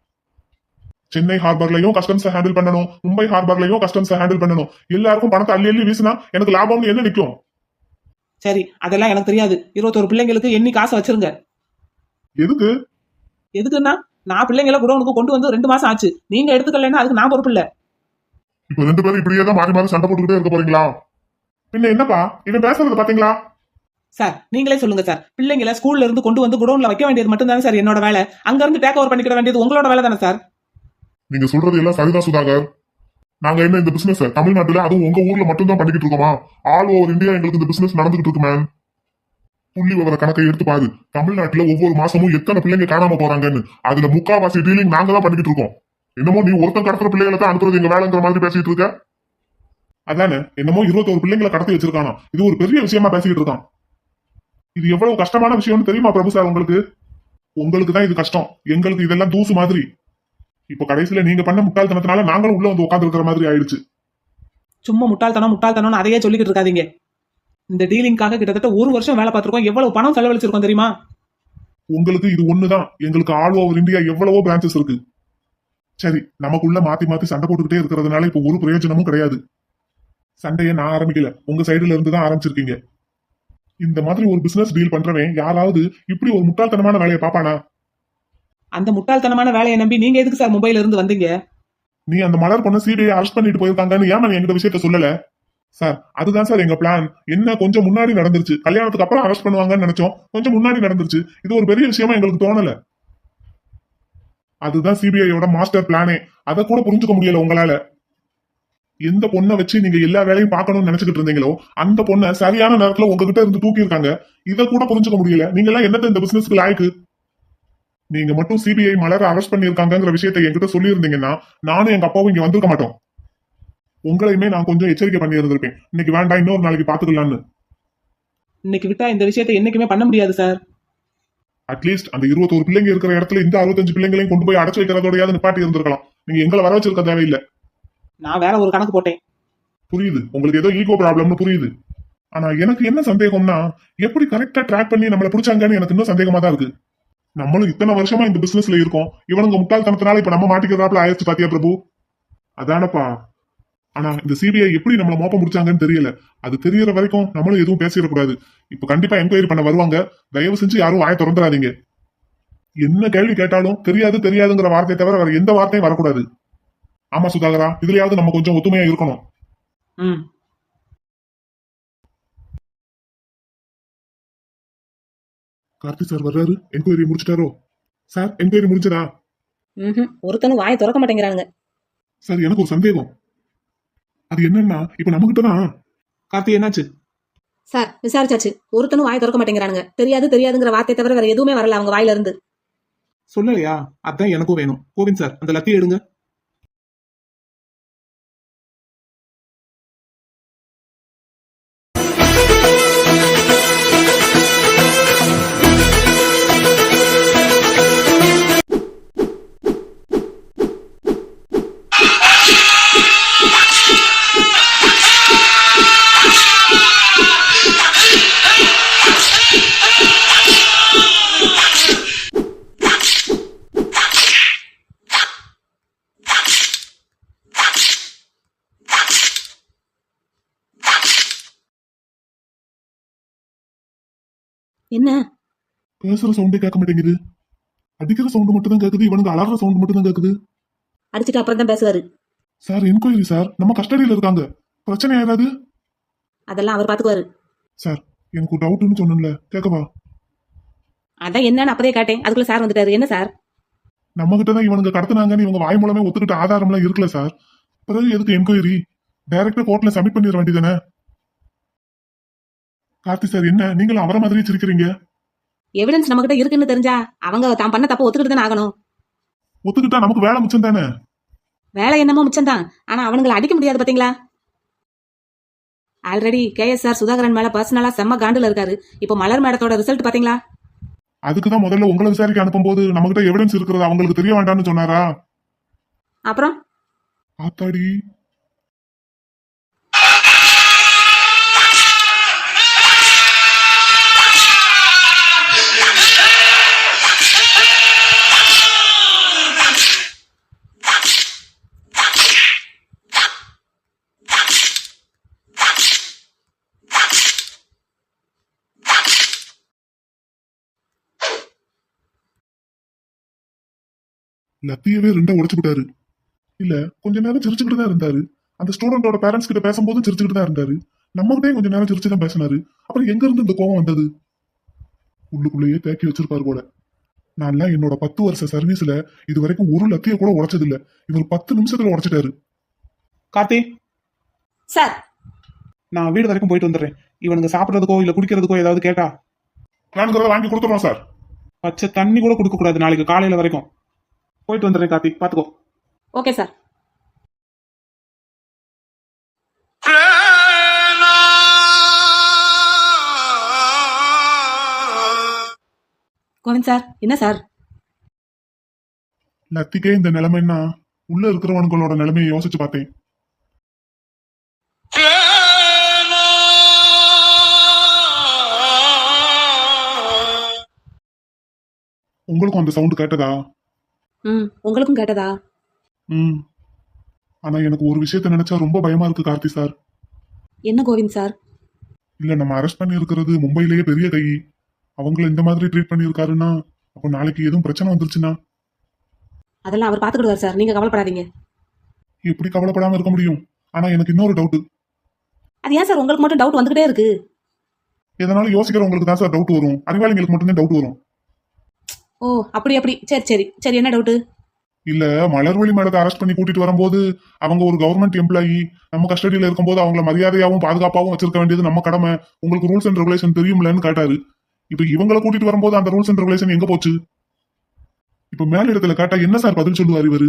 B: சென்னை ஹார்பர்லயும் கஸ்டம்ஸ் ஹேண்டில் பண்ணணும், மும்பை ஹார்பர்லயும் கஸ்டம்ஸ் ஹேண்டில் பண்ணணும். எல்லாருக்கும் பணத்தை அள்ளி அள்ளி வீசினா எனக்கு லாபம்னு என்ன நிக்கும்?
A: சரி, அதெல்லாம் எனக்கு தெரியாது. 21 பிள்ளைங்களுக்கு எண்ணி காசு வச்சிருங்க.
B: எதுக்கு?
A: எதுக்குன்னா, நான் பிள்ளைங்களை குடோனுக்கு கொண்டு வந்து 2 மாசம் ஆச்சு. நீங்க எடுத்துக்கலன்னா அதுக்கு நான் பொறுப்பு இல்ல.
B: இப்ப 2 பேரும் இப்படியே தான் மாறி மாறி சண்டை போட்டுக்கிட்டே இருக்க போறீங்களா? பின்ன என்னப்பா இவன் பேசுறது பாத்தீங்களா?
A: சார் நீங்களே சொல்லுங்க சார். பிள்ளைங்களை ஸ்கூல்ல இருந்து கொண்டு வந்து குடோன்ல வைக்க வேண்டியது மட்டும் தானே சார் என்னோட வேலை. அங்க இருந்து டேக் ஓவர் பண்ணிக்கிட வேண்டியது உங்களோட வேலை தானே சார்.
B: நீங்க சொல்றது எல்லாம் சரிதான் சுதாகர். நாங்க என்ன இந்த பிசினஸ் தமிழ்நாட்டுல அதுவும் உங்க ஊர்ல மட்டும் தான் பண்ணிக்கிட்டு இருக்கோமா? ஆல் ஓவர் இந்தியா எங்களுக்கு இந்த பிசினஸ் நடந்துகிட்டு இருக்கு மேன். புள்ளி விவர கணக்கை எடுத்து பாரு. தமிழ்நாட்டுல ஒவ்வொரு மாசமும் எத்தனை பிள்ளைங்க காணாம போறாங்கன்னு. அதுல முக்காவாசி டீலிங் நாங்க தான் பண்ணிக்கிட்டு இருக்கோம். என்னமோ நீ ஒருத்தன் கடத்துற பிள்ளைகளை தான் அனுப்புறது எங்க வேலைங்கிற மாதிரி பேசிட்டு இருக்க. அதானே, என்னமோ 21 பிள்ளைங்களை கடத்தி வச்சிருக்கானா. இது ஒரு பெரிய விஷயமா பேசிக்கிட்டு இருக்கான். இது எவ்வளவு கஷ்டமான விஷயம்னு தெரியுமா பிரபு சார் உங்களுக்கு? உங்களுக்கு தான் இது கஷ்டம், எங்களுக்கு இதெல்லாம் தூசு மாதிரி. இப்ப கடைசியில நீங்க பண்ண முட்டாள்தனத்தினால நாங்களும் உள்ள வந்து உட்கார்ந்து இருக்கிற மாதிரி ஆயிடுச்சு.
A: சும்மா முட்டாள்தனம்னு அதையே சொல்லிக்கிட்டு இருக்காதீங்க. இந்த டீலிங்காக கிட்டத்தட்ட 1 வருஷம் வேலை பார்த்திருக்கோம். எவ்வளவு பணம் செலவழிச்சிருக்கோம் தெரியுமா?
B: உங்களுக்கு இது ஒண்ணுதான், எங்களுக்கு ஆல் ஓவர் இந்தியா எவ்வளவோ பிரான்ச்சஸ் இருக்கு. சரி, நமக்குள்ள மாத்தி மாத்தி சண்டை போட்டுக்கிட்டே இருக்கிறதுனால இப்ப ஒரு பிரயோஜனமும் கிடையாது. சண்டையை நான் ஆரம்பிக்கல, உங்க சைடுல இருந்து தான் ஆரம்பிச்சிருக்கீங்க. இந்த மாதிரி ஒரு பிசினஸ் டீல் பண்றவன் யாராவது இப்படி ஒரு முட்டாள்தனமான வேலையை பாப்பானா?
A: அந்த முட்டாள்தனமான வேலையை நம்பி நீங்க எதுக்கு சார் மும்பைல இருந்து வந்தீங்க?
B: நீ அந்த மலர் பொண்ணு சிபிஐ அரெஸ்ட் பண்ணிட்டு போயிருக்காங்கன்னு ஏமா நீ எங்கிட்ட விஷயத்த சொல்லல? சார் அதுதான் சார் எங்க பிளான். என்ன கொஞ்சம் முன்னாடி நடந்துருச்சு. கல்யாணத்துக்கு அப்புறம் அரெஸ்ட் பண்ணுவாங்கன்னு நினைச்சோம், கொஞ்சம் முன்னாடி நடந்துருச்சு. இது ஒரு பெரிய விஷயமா எங்களுக்கு தோணல. அதுதான் சிபிஐயோட மாஸ்டர் பிளானே. அதை கூட புரிஞ்சுக்க முடியல உங்களால. எந்த பொண்ணை வச்சு நீங்க எல்லா வேலையும் பார்க்கணும்னு நினைச்சுக்கிட்டு இருந்தீங்களோ அந்த பொண்ணை சரியான நேரத்துல உங்ககிட்ட இருந்து தூக்கி இருக்காங்க. இதை கூட புரிஞ்சுக்க முடியல. நீங்க எல்லாம் என்னத்த இந்த பிசினஸ்க்கு லாய்க்கு? நீங்க மட்டும் சிபிஐ மலரை அரெஸ்ட் பண்ணிருக்காங்கிற விஷயத்தை என்கிட்ட சொல்லி இருந்தீங்கன்னா நானும் எங்க அப்பாவும் இங்க வந்திருக்க மாட்டோம். உங்களையுமே நான் கொஞ்சம் எச்சரிக்கை பண்ணி இருந்திருப்பேன். இன்னைக்கு வேண்டாம், இன்னொரு நாளைக்கு பாத்துக்கலாம்னு.
A: இன்னைக்கு விட்டா இந்த விஷயத்தை என்னைக்குமே பண்ண முடியாது சார்.
B: அட்லீஸ்ட் அந்த 21 பிள்ளைங்க இருக்கிற இடத்துல இந்த 65 பிள்ளைங்களையும் கொண்டு போய் அடைச்சு வைக்கிறதோடையாவது நிப்பாட்டி இருந்திருக்கலாம். நீங்க எங்களை வர வச்சிருக்க தேவையில்லை.
A: நான் வேற ஒரு கணக்கு போட்டேன்.
B: புரியுது, உங்களுக்கு ஏதோ ஈகோ ப்ராப்ளம்னு புரியுது. ஆனா எனக்கு என்ன சந்தேகம்னா, எப்படி கரெக்டா ட்ராக் பண்ணி நம்மள பிடிச்சாங்கன்னு எனக்கு இன்னும் சந்தேகமா தான் இருக்கு. நம்மளும் இத்தனை வருஷமா இந்த பிசினஸ்ல இருக்கோம். இவனுங்க முட்டாள்தனத்தினால இப்ப நம்ம மாட்டிக்கிறதாப்ல ஆயிடுச்சு பாத்தியா பிரபு? அதானப்பா. ஆனா இந்த சிபிஐ எப்படி நம்மள மோப்ப முடிச்சாங்கன்னு தெரியல. அது தெரியற வரைக்கும் நம்மளும் எதுவும் பேசிடக்கூடாது. இப்ப கண்டிப்பா என்கொயரி பண்ண வருவாங்க. தயவு செஞ்சு யாரும் வாயை திறந்துடாதீங்க. என்ன கேள்வி கேட்டாலும் தெரியாதுங்கிற வார்த்தையை தவிர வேற எந்த வார்த்தையும் வரக்கூடாது. ஆமா சுதாகரா, இதுலயாவது நம்ம கொஞ்சம் ஒத்துமையா இருக்கணும்.
A: ம்
B: கார்த்தி சார் வர்றாரு. என்கொயரி முடிச்சிட்டாரோ? சார் என்கொயரி முடிச்சதா?
D: ஒருத்தனும் வாயை திறக்க மாட்டேங்கிறானுங்க.
B: சார் எனக்கு ஒரு சந்தேகம். அது என்னன்னா, இப்ப நம்ம கிட்டதான்.
A: கார்த்தி என்னாச்சு?
D: சார் விசாரிச்சாச்சு, ஒருத்தனும் வாயை திறக்க மாட்டேங்கிறானுங்க. தெரியாதுங்கிற வார்த்தை தவிர வேற எதுவுமே வரல அவங்க வாயில இருந்து.
A: சொல்லலையா? அதான் எனக்கும் வேணும். கோவிந்த் சார் அந்த லத்தியை எடுங்க.
D: என்ன
B: பேசுற சவுண்டே கேட்க மாட்டேங்குது. அடிக்கிற சவுண்ட் மட்டும் தான் கேக்குது. இவனுக்கு அலற சவுண்ட் மட்டும் தான் கேக்குது.
D: அடிச்சுட்டு அப்புறம் தான் பேசுவாரு.
B: சார் என்கொயரி சார், நம்ம கஸ்டடியில இருக்காங்க. பிரச்சனை ஆயிடாது?
D: அதெல்லாம் அவர் பாத்துக்குவாரு.
B: சார் எனக்கு ஒரு டவுட்னு சொன்னேன்ல, கேட்கவா?
D: அதான் என்னன்னு அப்பதே கேட்டேன். அதுக்குள்ள சார் வந்துட்டாரு. என்ன சார்?
B: நம்ம கிட்ட தான் இவனுங்க கடத்தினாங்கன்னு இவங்க வாய் மூலமே ஒத்துக்கிட்ட ஆதாரம் எல்லாம் இருக்குல்ல சார். பிறகு எதுக்கு என்கொயரி? டைரக்டா கோர்ட்ல சப்மிட் பண்ணிட வேண்டியதானே? கார்த்தி சார், என்ன நீங்களும் அவரை மாதிரியே சிரிக்கிறீங்க?
D: எவிடன்ஸ் நம்ம கிட்ட இருக்குன்னு தெரிஞ்சா அவங்க தான் பண்ண தப்ப ஒத்துக்கிட்டு தானே ஆகணும்.
B: ஒத்துக்கிட்டா நமக்கு வேலை மிச்சம் தானே?
D: வேலை என்னமோ மிச்சம்தான், ஆனா அவனுங்களை அடிக்க முடியாது பாத்தீங்களா? ஆல்ரெடி KSR சுதாகரன் மேல பர்சனலா செம்ம காண்டுல இருக்காரு. இப்போ மலர் மேடத்தோட ரிசல்ட் பாத்தீங்களா?
B: அதுக்குதான் முதல்ல உங்களை விசாரிக்க அனுப்பும்போது நம்ம கிட்ட எவிடன்ஸ் இருக்கிறது அவங்களுக்கு தெரிய வேண்டாம்னு சொன்னாரா?
D: அப்புறம்
B: ஆத்தாடி, லத்தியவே ரெண்டா உடைச்சு விட்டாரு. இல்ல, கொஞ்ச நேரம் சிரிச்சுக்கிட்டு தான் இருந்தாரு. அந்த ஸ்டூடெண்டோட பேரண்ட்ஸ் கிட்ட பேசும்போது சிரிச்சுக்கிட்டு தான் இருந்தாரு. நம்ம கிட்டே கொஞ்ச நேரம் சிரிச்சு தான் பேசினாரு. அப்புறம் எங்க இருந்து இந்த கோவம் வந்தது? உள்ளுக்குள்ளேயே தேக்கி வச்சிருப்பாரு போல. நான்லாம் என்னோட 10 வருஷ சர்வீஸ்ல இது வரைக்கும் ஒரு லத்திய கூட உடைச்சது இல்ல. இவர் 10 நிமிஷத்துல உடைச்சிட்டாரு.
A: கார்த்தி,
D: சார்
A: நான் வீடு வரைக்கும் போயிட்டு வந்துடுறேன். இவனுங்க சாப்பிடறதுக்கோ இல்ல குடிக்கிறதுக்கோ ஏதாவது கேட்டா
B: வேணுங்கிறத வாங்கி கொடுத்துறோம் சார்.
A: பச்சை தண்ணி கூட கொடுக்க கூடாது நாளைக்கு காலையில வரைக்கும். போயிட்டு வந்துடுறேன் கார்த்தி, பாத்துக்கோ.
D: Okay sir. கோவிந்த் சார், என்ன சார்?
B: லத்திக்கே இந்த நிலைமைன்னா உள்ள இருக்கிறவனுங்களோட நிலைமையை யோசிச்சு பார்த்தேன். உங்களுக்கும் அந்த சவுண்ட் கேட்டதா?
D: உங்களுக்கும் கேட்டதா?
B: ம். ஆனா எனக்கு ஒரு விஷயத்த நினைச்சா ரொம்ப பயமா இருக்கு கார்த்தி சார்.
D: என்ன கோவிந்த் சார்?
B: இல்ல, நம்ம அரெஸ்ட் பண்ணி இருக்கிறது மும்பையிலேயே பெரிய கை. அவங்கள இந்த மாதிரி ட்ரீட் பண்ணியிருக்காருன்னா அப்போ நாளைக்கு எதுவும் பிரச்சனை வந்துருச்சுன்னா
D: அதெல்லாம் அவர் பாத்துக்கிடுவார் சார், நீங்க கவலைப்படாதீங்க.
B: எப்படி கவலைப்படாம இருக்க முடியும்? ஆனா எனக்கு இன்னொரு டவுட்.
D: அது ஏன் சார் உங்களுக்கு மட்டும் டவுட் வந்துகிட்டே இருக்கு?
B: எதனால யோசிக்கிறவங்களுக்கு தான் சார் டவுட் வரும். அறிவாளிங்களுக்கு மட்டும்தான் டவுட் வரும்.
D: ஓ, அப்படி அப்படி. சரி சரி சரி, என்ன டவுட்டு?
B: இல்ல, மலர்வழி மேடத்தை அரெஸ்ட் பண்ணி கூட்டிட்டு வரும்போது அவங்க ஒரு கவர்மெண்ட் எம்ப்ளாயி. நம்ம கஸ்டடியில இருக்கும்போது அவங்கள மரியாதையாவும் பாதுகாப்பாவும் வச்சிருக்க வேண்டியது நம்ம கடமை. உங்களுக்கு ரூல்ஸ் அண்ட் ரெகுலேஷன் தெரியும்லன்னு கேட்டாரு. இப்ப இவங்களை கூட்டிட்டு வரும்போது அந்த ரூல்ஸ் அண்ட் ரெகுலேஷன் எங்க போச்சு? இப்ப மேல் இடத்துல கேட்டா என்ன சார் பதில் சொல்லுவார் இவரு?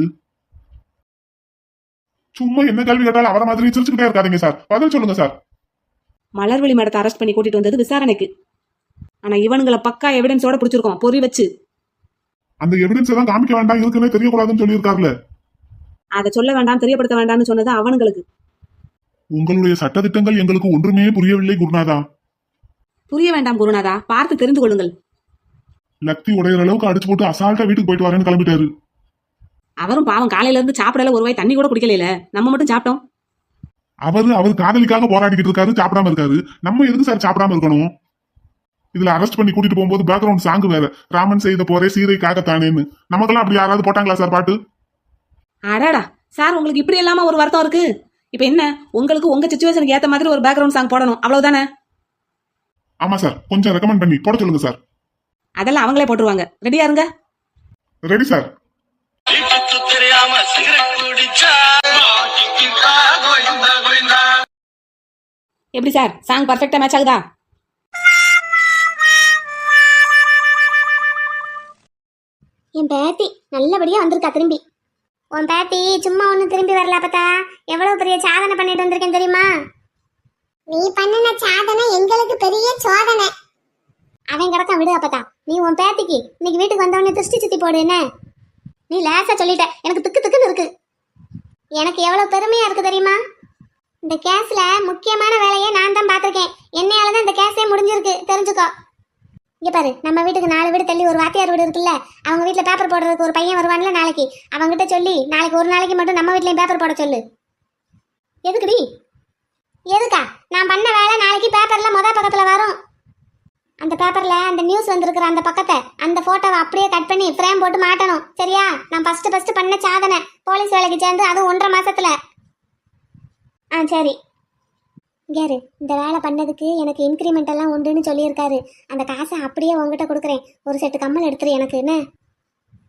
B: சும்மா என்ன கேள்வி கேட்டாலும் அவரை மாதிரி சிரிச்சுக்கிட்டே இருக்காதீங்க சார். பதில் சொல்லுங்க சார்.
D: மலர்விழி மேடத்தை அரெஸ்ட் பண்ணி கூட்டிட்டு வந்தது விசாரணைக்கு. ஆனா இவனுங்களை பக்கா எவிடன்ஸோட பிடிச்சிருக்கோம், பொறி வச்சு.
B: அந்த எவிடன்ஸ் தான் காமிக்க வேண்டாம், இருக்குன்னே தெரியக்கூடாதுன்னு சொல்லியிருக்காருல.
D: அதை சொல்ல வேண்டாம், தெரியப்படுத்த வேண்டாம்னு சொன்னது அவனுங்களுக்கு.
B: உங்களுடைய சட்டதிட்டங்கள் எங்களுக்கு ஒன்றுமே புரியவில்லை குருநாதா.
D: புரிய வேண்டாம் குருநாதா, பார்த்து தெரிந்து கொள்ளுங்கள்.
B: லக்தி உடையிற அளவுக்கு அடிச்சு போட்டு அசால்ட்டா வீட்டுக்கு போயிட்டு வரேன்னு கிளம்பிட்டாரு.
D: அவரும் பாவம் காலையில இருந்து சாப்பிடல, ஒரு வாய் தண்ணி கூட குடிக்கல. நம்ம மட்டும் சாப்பிட்டோம்.
B: அவர் காதலிக்காக போராடிக்கிட்டு இருக்காரு, சாப்பிடாம இருக்காரு. நம்ம எதுக்கு சார் சாப்பிடாம இருக்கணும்? இதுல அரெஸ்ட் பண்ணி கூட்டிட்டு போகும்போது பேக்ரவுண்ட் சாங் வேற, ராமன் செய்த போரே சீதைக்காகத்தானேன்னு. நமக்கெல்லாம் அப்படி யாராவது போட்டாங்களா சார் பாட்டு?
D: அடாடா சார், உங்களுக்கு இப்படி இல்லாம ஒரு வருத்தம் இருக்கு. இப்ப என்ன, உங்களுக்கு உங்க சிச்சுவேஷனுக்கு ஏத்த மாதிரி ஒரு பேக்ரவுண்ட் சாங் போடணும், அவ்வளவுதானே?
B: ஆமா சார், கொஞ்சம் ரெக்கமெண்ட் பண்ணி போட சொல்லுங்க சார்.
D: அதெல்லாம் அவங்களே போட்டுருவாங்க. ரெடியா இருங்க.
B: Ready sir.
D: எப்படி சார், சாங் பர்ஃபெக்ட்டா மேட்ச் ஆகுதா?
C: என் பேத்தி நல்லபடியா வந்திருக்கா திரும்பி. உன் பேத்தி சும்மா ஒண்ணு திரும்பி வரல பார்த்தா, எவ்வளவு பெரிய சாதனை பண்ணிட்டு வந்திருக்கேன் தெரியுமா? நீ பண்ணின சாதனை எங்களுக்கு பெரிய சோதனை. அவன் கிடக்கான், விடு அப்பதா. நீ உன் பேத்திக்கு இன்னைக்கு வீட்டுக்கு வந்தவொடனே திருஷ்டி சுத்தி போடு. என்ன நீ லேசா சொல்லிட்ட, எனக்கு திக்கு திக்குன்னு இருக்கு. எனக்கு எவ்வளவு பெருமையா இருக்கு தெரியுமா? இந்த கேஸ்ல முக்கியமான வேலையை நான் தான் பார்த்திருக்கேன். என்னையாலதான் இந்த கேஸே முடிஞ்சிருக்கு, தெரிஞ்சுக்கோ. இங்க பாரு, நம்ம வீட்டுக்கு 4 வீடு தள்ளி ஒரு வாத்தியார் வீடு இருக்குல்ல, அவங்க வீட்டுல பேப்பர் போடுறதுக்கு ஒரு பையன் வருவான்ல நாளைக்கு. அவங்கிட்ட சொல்லி நாளைக்கு ஒரு நாளைக்கு மட்டும் நம்ம வீட்லயும் பேப்பர் போட சொல்லு. எதுக்குடி? எதுக்கா? நான் பண்ண வேலை நாளைக்கு பேப்பர்ல பக்கத்துல வரும். அந்த பேப்பர்ல அந்த நியூஸ் வந்திருக்கிற அந்த பக்கத்தை, அந்த போட்டோவை அப்படியே கட் பண்ணி ஃப்ரேம் போட்டு மாட்டணும், சரியா? நான் ஃபர்ஸ்ட் பண்ண சாதனை, போலீஸ் வேலைக்கு சேர்ந்து அது 1.5 மாசத்துல. சரி. கேரு, இந்த வேலை பண்ணதுக்கு எனக்கு இன்க்ரிமெண்ட் எல்லாம் உண்டுன்னு சொல்லியிருக்காரு. அந்த காசை அப்படியே உங்ககிட்ட கொடுக்குறேன். ஒரு செட்டு கம்மல் எடுத்துரு எனக்கு, என்ன?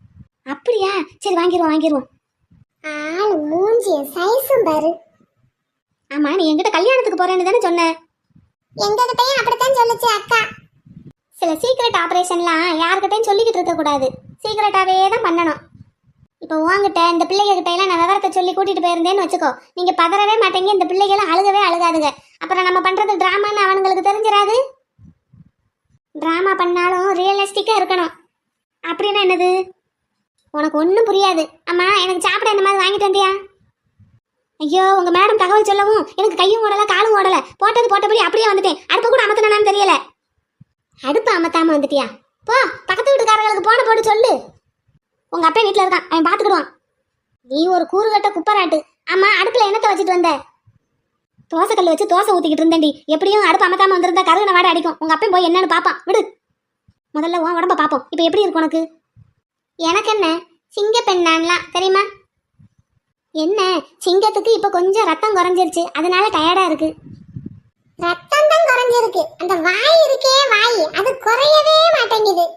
C: அப்படியா? சரி வாங்கிருவோம். ஆள் மூஞ்சிய சைஸும் பாரு. ஆமா, நீ என்கிட்ட கல்யாணத்துக்கு போறேன்னு தானே சொன்ன? எங்ககிட்டயும் அப்படித்தான் சொல்லுச்சு அக்கா. சில சீக்ரெட் ஆபரேஷன்லாம் யார்கிட்டயும் சொல்லிக்கிட்டு இருக்க கூடாது, சீக்ரெட்டாவே தான் பண்ணணும். இப்போ உங்ககிட்ட இந்த பிள்ளைங்க கிட்ட எல்லாம் நான் விவரத்தை சொல்லி கூட்டிட்டு போயிருந்தேன்னு வச்சுக்கோ, நீங்க பதறவே மாட்டீங்க, இந்த பிள்ளைகளும் அழுகவே அழுகாதுங்க. அப்புறம் நம்ம பண்றது டிராமான்னு அவனுங்களுக்கு தெரிஞ்சிடாது. டிராமா பண்ணாலும் ரியலிஸ்டிக்கா இருக்கணும். அப்படின்னா என்னது? உனக்கு ஒன்றும் புரியாது. அம்மா, எனக்கு சாப்பிட இந்த மாதிரி வாங்கிட்டு வந்தியா? ஐயோ, உங்க மேடம் தகவல் சொல்லவும் எனக்கு கையும் ஓடல காலும் ஓடல, போட்டது போட்டபடி அப்படியே வந்துட்டேன். அடுப்பு கூட அமர்த்தினான்னு தெரியல. அடுப்பு அமத்தாம வந்துட்டியா? போ, பக்கத்து வீட்டுக்காரங்களுக்கு போன போட்டு சொல்லு. உங்க அப்பா வீட்டுல இருக்கான், அவன் பாத்துக்கிடுவான். நீ ஒரு கூறுகட்ட குப்பராட்டு. ஆமா, அடுப்புல என்னத்தை வச்சுட்டு வந்த? தோசை கல் வச்சு தோசை ஊத்திக்கிட்டு இருந்தேன்டி. எப்படியும் அடுப்பு அமத்தாம வந்திருந்தா கருகின வாடை அடிக்கும். உங்க அப்பா போய் என்னன்னு பாப்பான், விடு. முதல்ல உன் உடம்ப பாப்போம். இப்ப எப்படி இருக்கு உனக்கு? எனக்கு என்ன, சிங்க பெண்ணான்லாம் தெரியுமா? என்ன, சிங்கத்துக்கு இப்ப கொஞ்சம் ரத்தம் குறைஞ்சிருச்சு, அதனால டயர்டா இருக்கு. ரத்தம் தான் குறைஞ்சிருக்கு, அந்த வாய் இருக்கே வாய், அது குறையவே மாட்டேங்குது.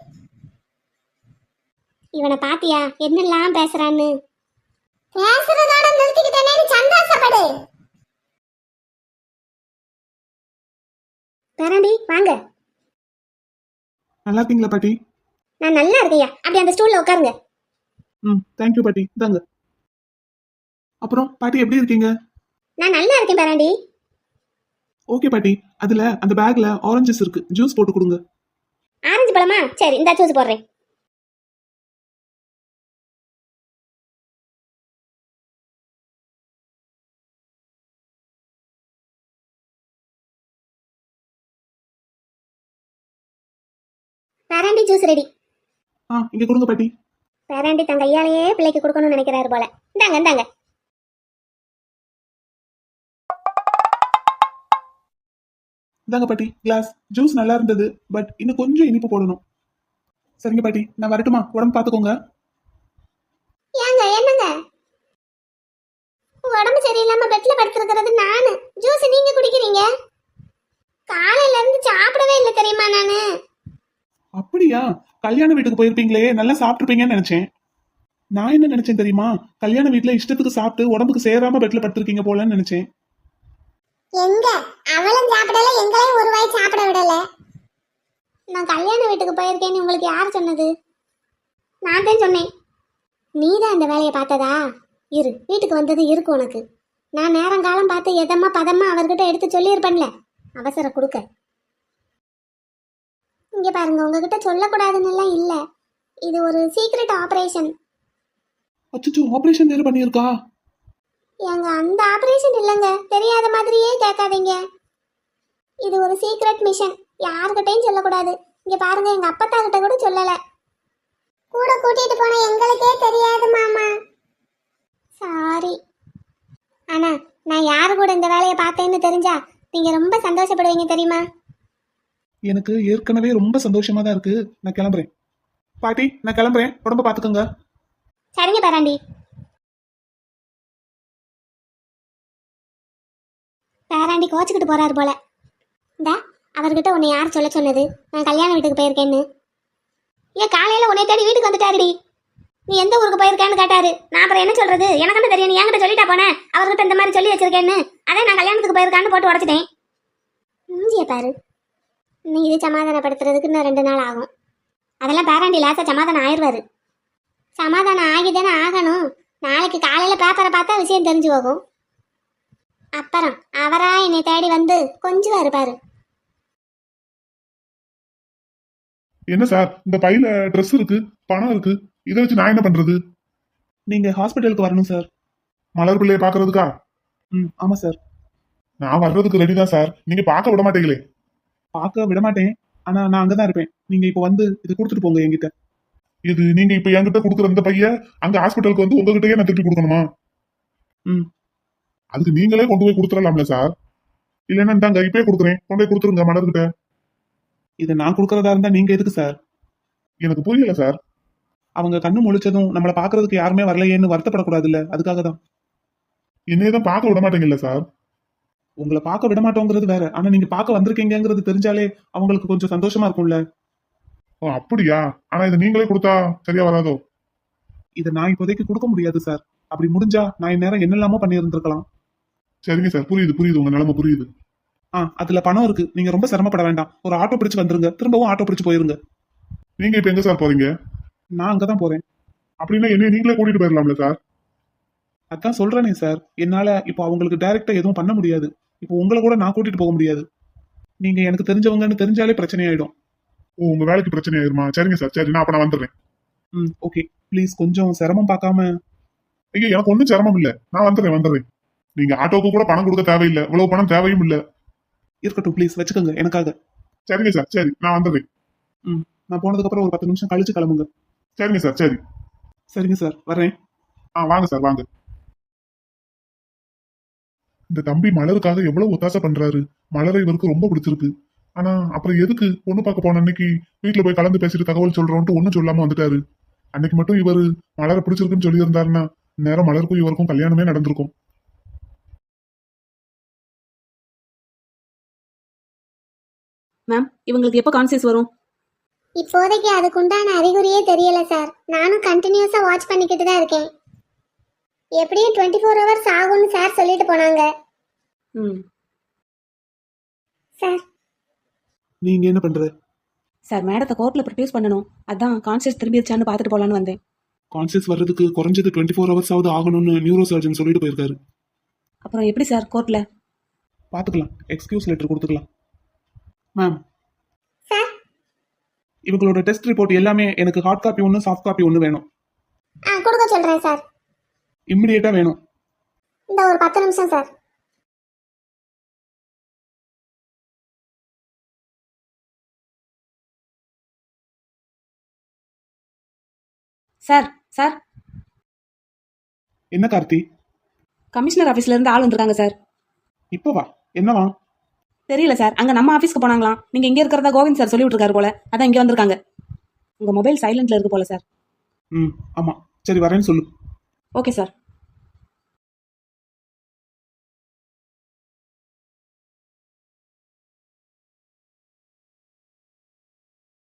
C: இவனை பாத்தியா என்னெல்லாம் பேசுறான்னு? பேசுறதோட நிறுத்திக்கிட்டேனே, சந்தோஷப்படு. பேராண்டி வாங்க.
A: நல்லா இருக்கீங்களா பாட்டி?
C: நான் நல்லா இருக்கையா, அப்படி அந்த ஸ்டூல்ல உட்காருங்க.
A: தேங்க்யூ பாட்டி, இந்தாங்க. அப்புறம் பாட்டி எப்படி இருக்கீங்க?
C: நான் நல்லா இருக்கேன் பேராண்டி.
A: ஓகே பாட்டி, அதுல அந்த பேக்ல ஆரஞ்சஸ் இருக்கு, ஜூஸ் போட்டு கொடுங்க.
C: ஆரஞ்சு பழமா? சரி, இந்த ஜூஸ் போடுறேன். பேராண்டி ஜூஸ் ரெடி.
A: இங்க கொடுங்க பாட்டி.
C: பேராண்டி தன் கையாலேயே பிள்ளைக்கு கொடுக்கணும்னு நினைக்கிறாரு போல. இந்தாங்க இந்தாங்க.
A: இந்தாங்க பாட்டி கிளாஸ். ஜூஸ் நல்லா இருந்தது, பட் இன்னும் கொஞ்சம் இனிப்பு போடணும். சரிங்க பாட்டி, நான் வரட்டுமா? உடம்பு பாத்துக்கோங்க.
C: ஏங்க என்னங்க, உடம்பு சரியில்லாம பெட்ல படுத்துருக்கிறது நானு, ஜூஸ் நீங்க குடிக்கிறீங்க. காலையில இருந்து சாப்பிடவே இல்லை தெரியுமா நானு.
A: அப்படியா? கல்யாண வீட்டுக்கு போயிருப்பீங்களே, நல்லா சாப்பிட்டுருப்பீங்கன்னு நினைச்சேன். நான் என்ன நினைச்சேன் தெரியுமா? கல்யாண வீட்டுல இஷ்டத்துக்கு சாப்பிட்டு உடம்புக்கு சேராம பெட்ல படுத்திருக்கீங்க போலன்னு நினைச்சேன்.
C: எங்க அவளும் சாப்பிடல, எங்களையும் ஒரு வாய் சாப்பிட விடல. நான் கல்யாண வீட்டுக்கு போயிருக்கேன்னு உங்களுக்கு யார் சொன்னது? நான் தான் சொன்னேன். நீ தான் அந்த வேலையை பார்த்ததா? இரு, வீட்டுக்கு வந்தது இருக்கு உனக்கு. நான் நேரங்காலம் பார்த்து எதமா பதமா அவர்கிட்ட எடுத்து சொல்லியிருப்பேன்ல, அவசரம் கொடுக்க. இங்க பாருங்க, உங்ககிட்ட சொல்லக்கூடாதுன்னு எல்லாம் இல்ல, இது ஒரு சீக்ரெட் ஆபரேஷன்.
A: அச்சோ, ஆபரேஷன் வேற பண்ணியிருக்கா?
C: ஏங்க, அந்த ஆபரேஷன் இல்லைங்க, தெரியாத மாதிரியே கேட்காதீங்க. இது ஒரு சீக்ரெட் மிஷன், யாருக்கிட்டையும் சொல்லக்கூடாது. இங்க பாருங்க, எங்க அப்பத்தா கிட்ட கூட சொல்லல. கூட கூட்டிட்டு போன எங்களுக்கே தெரியாது மாமா. சாரி. ஆனா நான் யாரு கூட இந்த வேலையை பார்த்தேன்னு தெரிஞ்சா நீங்க ரொம்ப சந்தோஷப்படுவீங்க தெரியுமா?
A: எனக்கு ஏற்கனவே ரொம்ப சந்தோஷமா தான் இருக்கு. நான் கிளம்புறேன் பாட்டி, நான் கிளம்புறேன். உடம்ப பாத்துக்கோங்க.
C: சரிங்க பேராண்டி. பேராண்டி கோச்சுக்கிட்டு போறாரு போல. இந்த அவர்கிட்ட உன்னை யார் சொல்ல சொன்னது நான் கல்யாண வீட்டுக்கு போயிருக்கேன்னு? ஏன் காலையில உன்னை தேடி வீட்டுக்கு வந்துட்டாருடி. நீ எந்த ஊருக்கு போயிருக்கேன்னு கேட்டாரு. நான் அப்புறம் என்ன சொல்றது? எனக்கு என்ன தெரியும்? நீ என்கிட்ட சொல்லிட்டா போனேன் அவர்கிட்ட இந்த மாதிரி சொல்லி வச்சிருக்கேன்னு. அதே நான் கல்யாணத்துக்கு போயிருக்கான்னு போட்டு உடச்சிட்டேன். மூஞ்சிய பாரு. நீ இது சமாதானப்படுத்துறதுக்கு இன்னும் 2 நாள் ஆகும். அதெல்லாம் பேராண்டி லேசா சமாதானம் ஆயிடுவாரு. சமாதானம் ஆகிதானே ஆகணும். நாளைக்கு காலையில பேப்பரை பார்த்தா விஷயம் தெரிஞ்சு போகும். அப்புறம் அவரா என்னை தேடி வந்து கொஞ்சம் இருப்பாரு.
B: என்ன சார், இந்த பையில ட்ரெஸ் இருக்கு, பணம் இருக்கு, இதை வச்சு நான் என்ன பண்றது?
A: நீங்க ஹாஸ்பிட்டலுக்கு வரணும் சார்.
B: மலர் பிள்ளைய பாக்குறதுக்கா?
A: ஆமா சார்.
B: நான் வர்றதுக்கு ரெடி தான் சார். நீங்க பார்க்க விட மாட்டீங்களே.
A: பார்க்க விட மாட்டேன், ஆனா நான் அங்கதான் இருப்பேன். நீங்க இப்ப வந்து இது கொடுத்துட்டு போங்க என்கிட்ட.
B: இது நீங்க இப்ப என்கிட்ட கொடுக்குற இந்த பைய அங்க ஹாஸ்பிட்டலுக்கு வந்து உங்ககிட்டயே நான் திருப்பி கொடுக்கணுமா? அதுக்கு நீங்களே கொண்டு போய் கொடுத்துடலாம்ல சார். இல்லைன்னா இந்தாங்க இப்பயே கொடுக்குறேன், கொண்டு போய் கொடுத்துருங்க மலர்கிட்ட.
A: இதை நான் கொடுக்கறதா இருந்தா நீங்க எதுக்கு சார்?
B: எனக்கு புரியல சார்.
A: அவங்க கண்ணு முழிச்சதும் நம்மளை பாக்குறதுக்கு யாருமே வரலையேன்னு வருத்தப்படக்கூடாது இல்ல, அதுக்காக தான்.
B: என்னையதான் பார்க்க விட மாட்டேங்கல்ல சார்.
A: உங்களை பார்க்க விட மாட்டோங்கிறது வேற, ஆனா நீங்க பார்க்க வந்திருக்கீங்கிறது தெரிஞ்சாலே அவங்களுக்கு கொஞ்சம் சந்தோஷமா இருக்கும்ல.
B: ஓ அப்படியா? ஆனா இதை நீங்களே கொடுத்தா சரியா வராதோ?
A: இதை நான் இப்போதைக்கு கொடுக்க முடியாது சார். அப்படி முடிஞ்சா நான் இந்நேரம் என்னெல்லாமோ பண்ணியிருந்திருக்கலாம்.
B: சரிங்க சார், புரியுது புரியுது, உங்க நிலைமை புரியுது.
A: அதுல பணம் இருக்கு, நீங்க ரொம்ப சிரமப்பட வேண்டாம். ஒரு ஆட்டோ பிடிச்சு வந்துருங்க, திரும்பவும் ஆட்டோ பிடிச்சு போயிருங்க.
B: நீங்க இப்ப எங்க சார் போறீங்க?
A: நான் அங்கதான் போறேன்.
B: அப்படின்னா என்ன நீங்களே கூட்டிட்டு போயிடலாம்ல சார்?
A: அதான் சொல்றேனே சார், என்னால இப்போ அவங்களுக்கு டைரக்டா எதுவும் பண்ண முடியாது. இப்போ உங்களை கூட நான் கூட்டிட்டு போக முடியாது. நீங்க எனக்கு தெரிஞ்சவங்கன்னு தெரிஞ்சாலே பிரச்சனையாயிடும்.
B: ஓ, உங்க வேலைக்கு பிரச்சனை ஆயிருமா? சரிங்க சார், சரி, நான் அப்ப நான் வந்துடுறேன்.
A: ஓகே, ப்ளீஸ் கொஞ்சம் சிரமம் பார்க்காம.
B: ஐயா, எனக்கு ஒன்றும் சிரமம் இல்ல, நான் வந்துடுறேன். நீங்க ஆட்டோக்கு கூட பணம் கொடுக்க தேவையில்லை, இவ்வளவு பணம் தேவையும் இல்ல.
A: இருக்கட்டும், ப்ளீஸ் வச்சுக்கோங்க எனக்காக.
B: சரிங்க சார், சரி, நான் வந்துடுறேன்.
A: நான் போனதுக்கு அப்புறம் ஒரு 10 நிமிஷம் கழிச்சு கிளம்புங்க.
B: சரிங்க சார், சரி.
A: சரிங்க சார், வர்றேன்.
B: வாங்க சார், வாங்க. இந்த தம்பி மலருக்காக எவ்வளவு ஒத்தாசை பண்றாரு. மலரை இவருக்கு ரொம்ப பிடிச்சிருக்கு. ஆனா அப்புறம் எதுக்கு பொண்ணு பார்க்க போன அன்னைக்கு வீட்டுல போய் கலந்து பேசிட்டு தகவல் சொல்றோம்ட்டு ஒண்ணும் சொல்லாம வந்துட்டாரு. அன்னைக்கு மட்டும் இவரு மலரை பிடிச்சிருக்குன்னு சொல்லி இருந்தாருன்னா நேரம் மலருக்கும் இவருக்கும் கல்யாணமே நடந்திருக்கும்.
D: மேம், இவங்களுக்கு எப்போ கான்சியஸ் வரும்?
C: இப்போதைக்கு அதுக்குண்டான அறிகுறியே தெரியல சார். நானும் கண்டினியூஸா வாட்ச் பண்ணிக்கிட்டு தான் இருக்கேன். எப்படியும் 24 ஹவர்ஸ் ஆகும்னு சார் சொல்லிட்டு போனாங்க.
D: ம்
C: சார்,
A: நீங்க என்ன பண்ற?
D: சார், மேடத்தை கோர்ட்டில் ப்ரொடியூஸ் பண்ணணும். அதான் கான்சியஸ் திரும்பிடுச்சான்னு பார்த்துட்டு போகலான்னு வந்தேன்.
A: கான்சியஸ் வர்றதுக்கு குறைஞ்சது 24 ஹவர்ஸ் ஆகுது ஆகணும்னு நியூரோ சர்ஜன் சொல்லிட்டு போயிருக்காரு.
D: அப்புறம் எப்படி சார் கோர்ட்டில்?
A: பாத்துக்கலாம், எக்ஸ்கியூஸ் லெட்டர் கொடுத்துக்கலாம். Ma'am,
C: sir.
A: இவங்களோட டெஸ்ட் ரிப்போர்ட் எல்லாமே எனக்கு ஹார்ட் காப்பி ஒன்று, சாஃப்ட் காப்பி ஒன்று வேணும்.
C: கொடுக்க சொல்றேன் சார்.
A: இம்மிடியேட்டா வேணும்.
C: இந்த ஒரு 10 நிமிஷம் சார்.
D: சார் சார்
A: என்ன கார்த்தி?
D: கமிஷனர் ஆஃபீஸ்ல இருந்து ஆள் வந்திருக்காங்க சார்.
A: இப்போ வா, என்னவா?
D: தெரியல சார், அங்கே நம்ம ஆஃபீஸ்க்கு போனாங்களாம். நீங்கள் இங்கே இருக்கிறதா கோவிந்த் சார் சொல்லி விட்டுருக்காரு போல, அதான் இங்கே வந்திருக்காங்க. உங்கள் மொபைல் சைலண்ட்ல இருக்கு போல சார்.
A: ஆமா, சரி வரேன்னு சொல்லு.
D: Okay sir.